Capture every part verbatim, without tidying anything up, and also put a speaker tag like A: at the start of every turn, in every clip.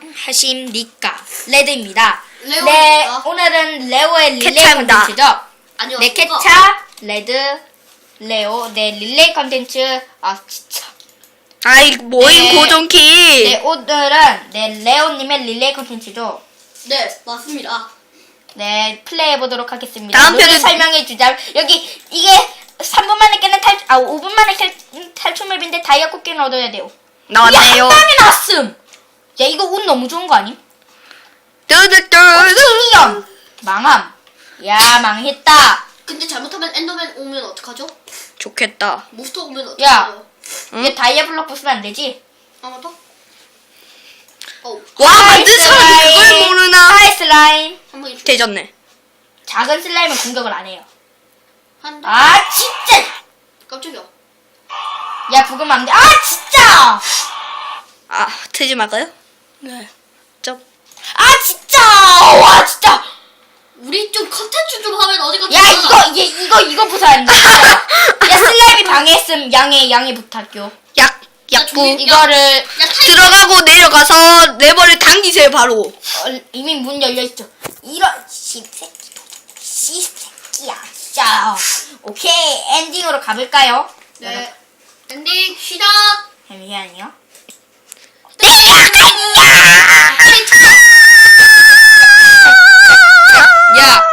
A: 안녕하십니까. 레드입니다.
B: 레오입니다.
A: 네, 오늘은 레오의 릴레이
C: 케차입니다.
A: 컨텐츠죠.
B: 아니요.
A: 네,
B: 그거-
A: 케차, 레드, 레오, 네, 릴레이 컨텐츠. 아, 진짜.
C: 아이 모임
A: 네.
C: 고정키.
A: 네, 오늘은 네, 레오님의 릴레이 컨텐츠죠.
B: 네, 맞습니다.
A: 네, 플레이해보도록 하겠습니다.
C: 다음
A: 룰을
C: 편은-
A: 설명해주자. 여기, 이게 삼 분 만에 깨는 탈, 아, 오 분 만에 탈, 탈출 맵인데 다이아 꽃게는 얻어야 돼요.
C: 나왔네요.
A: 야, 한 방에 나왔음! 야, 이거 운 너무 좋은 거 아님?
C: 뚜두뚜.
A: 킬리언! 망함. 야, 망했다.
B: 근데 잘못하면 엔더맨 오면 어떡하죠?
C: 좋겠다.
B: 몬스터 오면
A: 야.
B: 어떡하죠?
C: 응?
A: 얘 다이아 블럭 부수면 안 되지?
B: 아, 맞다? 어,
C: 와 만든
A: 하이
C: 사람이
A: 슬라임.
C: 그걸 모르나?
A: 하이 슬라임.
B: 한 방에 죽
C: 되졌네.
A: 작은 슬라임은 공격을 안 해요.
B: 한
A: 아, 진짜!
B: 깜짝이야.
A: 야, 부으면 안 돼. 아, 진짜!
C: 아 트지 말까요? 네. 좀.
A: 아, 진짜! 와, 진짜!
B: 우리 좀 컨텐츠 좀 하면 어디 갔다
A: 야, 이거, 얘, 이거, 이거 부숴야 된다. 진짜. 야, 슬라임이 방해했음. 양해, 양해 부탁요.
C: 약 약부.
B: 저기-
A: 이거를,
B: 야, 타이
C: 들어가고 내려가서 레버를 당기세요 바로.
A: 어, 이미 문 열려있죠. 이런, 씨새끼, 씨새끼야, 진짜. 오케이, 엔딩으로 가볼까요?
B: 네. 엔딩 시작.
A: 잠시만요. 야!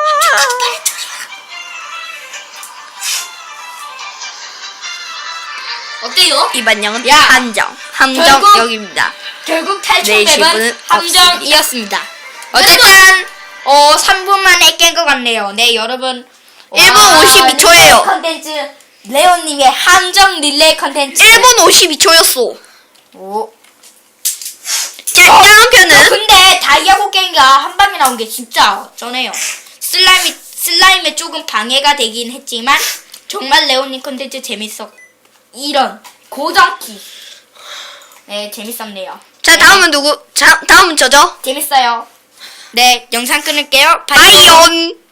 B: 어때요?
C: 이반영은
A: 야!
C: 한정. 함정
A: 결국-
C: 여기입니다.
A: 결국 탈출
C: 네,
A: 맵은
C: 시분은
A: 함정이었습니다. 어쨌든, 어, 삼 분 만에 깬 것 같네요. 네, 여러분.
C: 일 분
A: 와,
C: 오십이 초예요.
A: 릴레이 컨텐츠, 레오님의 함정 릴레이 컨텐츠.
C: 일 분 오십이 초였어.
A: 오.
C: 자 다음
A: 어,
C: 편은
A: 근데 다이아 곡괭이가 한 방에 나온 게 진짜 쩌네요. 슬라임이, 슬라임에 조금 방해가 되긴 했지만, 정말 레오님 컨텐츠 재밌어. 이런, 고정키. 네, 재밌었네요.
C: 자 다음은 누구? 자 다음은 저죠.
A: 재밌어요. 네, 영상 끊을게요. 바이.
C: 바이온.